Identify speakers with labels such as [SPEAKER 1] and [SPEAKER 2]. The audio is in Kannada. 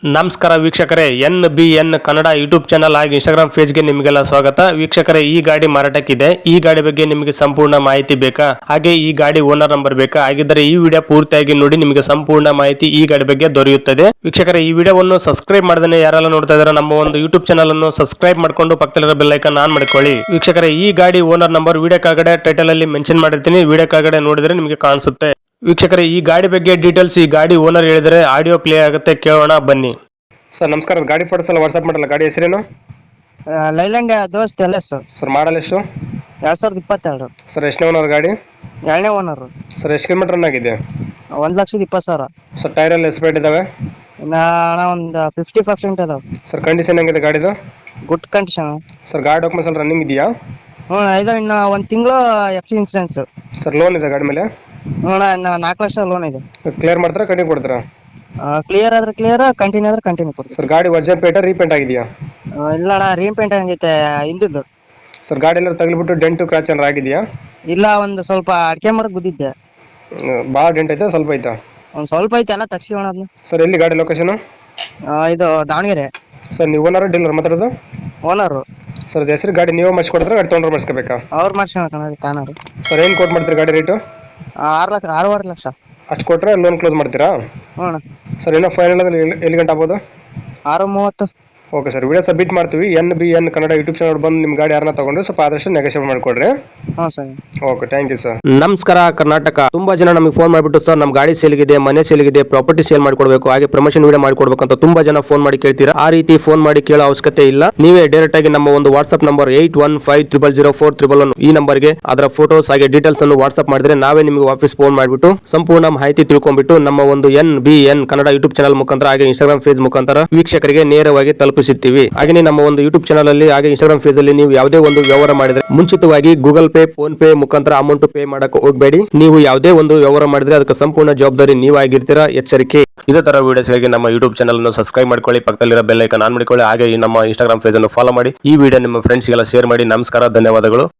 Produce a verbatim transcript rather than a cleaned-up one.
[SPEAKER 1] ನಮಸ್ಕಾರ ವೀಕ್ಷಕರೇ, N B N Kannada YouTube channel ಹಾಗೂ ಇನ್ಸ್ಟಾಗ್ರಾಮ್ ಪೇಜ್ಗೆ ನಿಮಗೆಲ್ಲ ಸ್ವಾಗತ. ವೀಕ್ಷಕರೇ, ಈ ಗಾಡಿ ಮಾರಾಟಕ್ಕಿದೆ. ಈ ಗಾಡಿ ಬಗ್ಗೆ ನಿಮಗೆ ಸಂಪೂರ್ಣ ಮಾಹಿತಿ ಬೇಕಾ, ಹಾಗೆ ಈ ಗಾಡಿ ಓನರ್ ನಂಬರ್ ಬೇಕಾ? ಹಾಗಿದ್ದರೆ ಈ ವಿಡಿಯೋ ಪೂರ್ತಿಯಾಗಿ ನೋಡಿ, ನಿಮಗೆ ಸಂಪೂರ್ಣ ಮಾಹಿತಿ ಈ ಗಾಡಿ ಬಗ್ಗೆ ದೊರೆಯುತ್ತದೆ. ವೀಕ್ಷಕರೇ, ಈ ವಿಡಿಯೋವನ್ನು ಸಬ್ಸ್ಕ್ರೈಬ್ ಮಾಡದೇ ಯಾರೆಲ್ಲ ನೋಡ್ತಾ ಇದ್ದಾರೆ, ನಮ್ಮ ಒಂದು ಯೂಟ್ಯೂಬ್ ಚಾನಲ್ ಅನ್ನು ಸಬ್ಸ್ಕ್ರೈಬ್ ಮಾಡ್ಕೊಂಡು ಪಕ್ಕದಲ್ಲಿರೋ ಬೆಲ್ ಐಕಾನ್ ಆನ್ ಮಾಡ್ಕೊಳ್ಳಿ. ವೀಕ್ಷಕರೇ, ಈ ಗಾಡಿ ಓನರ್ ನಂಬರ್ ವಿಡಿಯೋ ಕೆಳಗಡೆ ಟೈಟಲ್ ಅಲ್ಲಿ ಮೆನ್ಷನ್ ಮಾಡಿರ್ತೀನಿ, ವಿಡಿಯೋ ಕೆಳಗಡೆ ನೋಡಿದ್ರೆ ನಿಮಗೆ ಕಾಣಿಸುತ್ತೆ. ವೀಕ್ಷಕರೇ, ಈ ಗಾಡಿ ಬಗ್ಗೆ ಡೀಟೇಲ್ಸ್ ಈ ಗಾಡಿ ಓನರ್ ಹೇಳಿದರೆ ಆಡಿಯೋ ಪ್ಲೇ ಆಗುತ್ತೆ, ಕೇಳೋಣ ಬನ್ನಿ. ಸರ್ ನಮಸ್ಕಾರ, ಗಾಡಿ ಫೋಟೋಸ್ ಎಲ್ಲ ವಾಟ್ಸ್ಆಪ್ ಮಾಡಲ್ಲ. ಗಾಡಿ ಹೆಸರೇನು?
[SPEAKER 2] ಲೈಲ್ಯಾಂಡ್ ದೋಸ್ತ್ ಎಲ್ಲ ಸರ್.
[SPEAKER 1] ಸರ್ ಮಾಡಲ್ ಎಷ್ಟು?
[SPEAKER 2] ಎರಡ್ ಸಾವಿರದ ಇಪ್ಪತ್ತೆರಡು.
[SPEAKER 1] ಸರ್ ಎಷ್ಟನೇ ಓನರ್ ಗಾಡಿ?
[SPEAKER 2] ಎರಡನೇ ಓನರ್.
[SPEAKER 1] ಸರ್ ಎಷ್ಟು ಕಿಲೋಮೀಟರ್ ರನ್ ಆಗಿದೆ?
[SPEAKER 2] ಒಂದ್ ಲಕ್ಷದ ಇಪ್ಪತ್ತು ಸಾವಿರ.
[SPEAKER 1] ಸರ್ ಟೈರ್ ಎಲ್ಲ ಎಸ್ಪೇಟ್ ಇದಾವೆ?
[SPEAKER 2] ಅಣ್ಣ ಒಂದು ಫಿಫ್ಟಿ ಪರ್ಸೆಂಟ್ ಅದಾವ.
[SPEAKER 1] ಸರ್ ಕಂಡೀಷನ್ ಹೆಂಗಿದೆ ಗಾಡಿದು?
[SPEAKER 2] Good condition.
[SPEAKER 1] ಸರ್ ಗಾಡಿ ಡಾಕ್ಯುಮೆಂಟ್ಸ್ ಎಲ್ಲ ರನ್ನಿಂಗ್ ಇದೆಯಾ?
[SPEAKER 2] ಹ್ಞೂ ಇದು ಇನ್ನು ಒಂದು ತಿಂಗಳು F C insurance.
[SPEAKER 1] Sir loan ಇದೆ ಗಾಡಿ ಮೇಲೆ?
[SPEAKER 2] ಹ್ಞೂ ಇನ್ನು ನಾಲ್ಕು ಲಕ್ಷ ಲೋನ್ ಇದೆ.
[SPEAKER 1] ಕ್ಲಿಯರ್ ಮಾಡ್ತಾರಾ ಕಂಟಿನ್ಯೂ ಕೊಡ್ತಾರಾ?
[SPEAKER 2] ಕ್ಲಿಯರ್ ಆದ್ರೆ ಕ್ಲಿಯರ್, ಕಂಟಿನ್ಯೂ ಆದ್ರೆ ಕಂಟಿನ್ಯೂ ಕೊಡ್ತೀವಿ.
[SPEAKER 1] ಸರ್ ಗಾಡಿ ಒರಿಜಿನಲ್ ಪೇಟ ರೀಪೇಂಟ್ ಆಗಿದೆಯಾ?
[SPEAKER 2] ಇಲ್ಲ ಅಣ್ಣ, ರೀಪೇಂಟ್ ಆಗೈತೆ ಹಿಂದಿದ್ದು.
[SPEAKER 1] ಸರ್ ಗಾಡಿ ಎಲ್ಲ ತಗಲಿಬಿಟ್ಟು ಡೆಂಟು ಕ್ರಾಚ್ ಏನಾರು ಆಗಿದೆಯಾ?
[SPEAKER 2] ಇಲ್ಲ, ಒಂದು ಸ್ವಲ್ಪ ಅಡಿಕೆ ಮರಕ್ಕೆ ಗುದ್ದಿದ್ದೆ.
[SPEAKER 1] ಭಾಳ ಡೆಂಟ್ ಐತೆ ಸ್ವಲ್ಪ ಐತಾ?
[SPEAKER 2] ಒಂದು ಸ್ವಲ್ಪ ಐತೆ, ಎಲ್ಲ ತಗ್ಸಿವಣ ಅದನ್ನ.
[SPEAKER 1] ಸರ್ ಎಲ್ಲಿ ಗಾಡಿ ಲೊಕೇಶನ್?
[SPEAKER 2] ಇದು ದಾವಣಗೆರೆ.
[SPEAKER 1] ಸರ್ ನೀವು ಓನರ್ ಡೀಲರ್ ಮಾತಾಡೋದು?
[SPEAKER 2] ಓನರು.
[SPEAKER 1] ಸರ್ ಹೆಸರು ಗಾಡಿ ನೀವು ಮಾಡಿಸ್ಕೊಡ್ತಾರೆ, ಗಾಡಿ ತೊಗೊಂಡ್ರೆ ಮಾಡಿಸ್ಕೋಬೇಕಾ?
[SPEAKER 2] ಅವ್ರು ಮಾಡ್ಸ್ಕೊಳ ತಾನಾರು.
[SPEAKER 1] ಸರ್ ಏನು ಕೊಟ್ಟು ಮಾಡ್ತೀರಿ ಗಾಡಿ ರೇಟು?
[SPEAKER 2] ಆರು ಲಕ್ಷ ಆರೂವರೆ ಲಕ್ಷ.
[SPEAKER 1] ಅಷ್ಟು ಕೊಟ್ಟರೆ ಲೋನ್ ಕ್ಲೋಸ್ ಮಾಡ್ತೀರಾ?
[SPEAKER 2] ಹ್ಞೂ.
[SPEAKER 1] ಸರ್ ಇನ್ನೂ ಫೈನಲ್ ಅಂದ್ರೆ ಎಲ್ಲಿ ಎಲ್ಲಿ ಗಂಟೆ ಆಗ್ಬೋದು?
[SPEAKER 2] ಆರು ಮೂವತ್ತು.
[SPEAKER 1] ಓಕೆ ಸರ್, ವಿಡಿಯೋ ಸಬ್ಮಿಟ್ ಮಾಡ್ತೀವಿ. N B N Kannada YouTube channel ಬಂದು ನಿಮ್ಮ ಗಾಡಿ ಯಾರನ್ನ ತಗೊಂಡ್ರೆ ಸ್ವಲ್ಪ ಆದಷ್ಟು ನೆಗೋಷಿಯೇಟ್ ಮಾಡಿಕೊಡ್ರಿ.
[SPEAKER 2] ಹಾಂ ಸರ್.
[SPEAKER 1] Okay, thank you sir. ನಮಸ್ಕಾರ ಕರ್ನಾಟಕ. ತುಂಬಾ ಜನ ನಮಗೆ ಫೋನ್ ಮಾಡಿಬಿಟ್ಟು, ಸರ್ ನಮ್ಮ ಗಾಡಿ ಸೇಲ್ಗಿದೆ, ಮನೆ ಸೇಲ್ಗಿದೆ, ಪ್ರಾಪರ್ಟಿ ಸೇಲ್ ಮಾಡ್ಕೊಡ್ಬೇಕು, ಹಾಗೆ ಪ್ರಮೋಷನ್ ವಿಡಿಯೋ ಮಾಡ್ಕೊಡ್ಬೇಕು ಅಂತ ತುಂಬಾ ಜನ ಫೋನ್ ಮಾಡಿ ಕೇಳ್ತೀರಾ. ಆ ರೀತಿ ಫೋನ್ ಮಾಡಿ ಕೇಳೋ ಅವಶ್ಯಕತೆ ಇಲ್ಲ. ನೀವೇ ಡೈರೆಕ್ಟ್ ಆಗಿ ನಮ್ಮ ಒಂದು WhatsApp number eight one five triple zero four triple one ಈ ನಂಬರ್ಗೆ ಅದರ ಫೋಟೋಸ್ ಹಾಗೆ ಡೀಟೇಲ್ಸ್ ಅನ್ನು ವಾಟ್ಸ್ಆಪ್ ಮಾಡಿದ್ರೆ ನಾವೇ ನಿಮಗೆ ವಾಪಸ್ ಫೋನ್ ಮಾಡಿಬಿಟ್ಟು ಸಂಪೂರ್ಣ ಮಾಹಿತಿ ತಿಳ್ಕೊಂಡ್ಬಿಟ್ಟು ನಮ್ಮ ಒಂದು N B N Kannada YouTube channel ಮುಖಾಂತರ ಹಾಗೆ ಇನ್ಸ್ಟಾಗ್ರಾಮ್ ಪೇಜ್ ಮುಖಾಂತರ ವೀಕ್ಷಕರಿಗೆ ನೇರವಾಗಿ ತಲುಪಿಸುತ್ತೀವಿ. ಹಾಗೆ ನಮ್ಮ ಒಂದು ಯೂಟ್ಯೂಬ್ ಚಾನಲ್ ಅಲ್ಲಿ ಹಾಗೆ ಇನ್ಸ್ಟಾಗ್ರಾಮ್ ಪೇಜ್ ಅಲ್ಲಿ ನೀವು ಯಾವುದೇ ಒಂದು ವ್ಯವಹಾರ ಮಾಡಿದ್ರೆ ಮುಂಚಿತವಾಗಿ ಗೂಗಲ್ ಪೇ, ಫೋನ್ ಪೇ ಮುಖಾಂತರ ಅಮೌಂಟ್ ಪೇ ಮಾಡಕ್ಕೆ ಹೋಗಬೇಡಿ. ನೀವು ಯಾವುದೇ ಒಂದು ವ್ಯವಹಾರ ಮಾಡಿದ್ರೆ ಅದಕ್ಕೆ ಸಂಪೂರ್ಣ ಜವಾಬ್ದಾರಿ ನೀವಾಗಿರ್ತೀರಾ, ಎಚ್ಚರಿಕೆ. ಇದೇ ತರ ವಿಡಿಯೋಸ್ಗಾಗಿ ನಮ್ಮ ಯೂಟ್ಯೂಬ್ ಚಾನಲ್ ಅನ್ನು ಸಬ್ಸ್ಕ್ರೈಬ್ ಮಾಡ್ಕೊಳ್ಳಿ, ಪಕ್ಕದಲ್ಲಿರೋ ಬೆಲ್ ಐಕಾನ್ ಆನ್ ಮಾಡಿಕೊಳ್ಳಿ, ಹಾಗೆ ನಮ್ಮ ಇನ್ಸ್ಟಾಗ್ರಾಮ್ ಪೇಜ್ ಅನ್ನು ಫಾಲೋ ಮಾಡಿ. ಈ ವಿಡಿಯೋ ನಿಮ್ಮ ಫ್ರೆಂಡ್ಸ್ಗೆಲ್ಲ ಶೇರ್ ಮಾಡಿ. ನಮಸ್ಕಾರ, ಧನ್ಯವಾದಗಳು.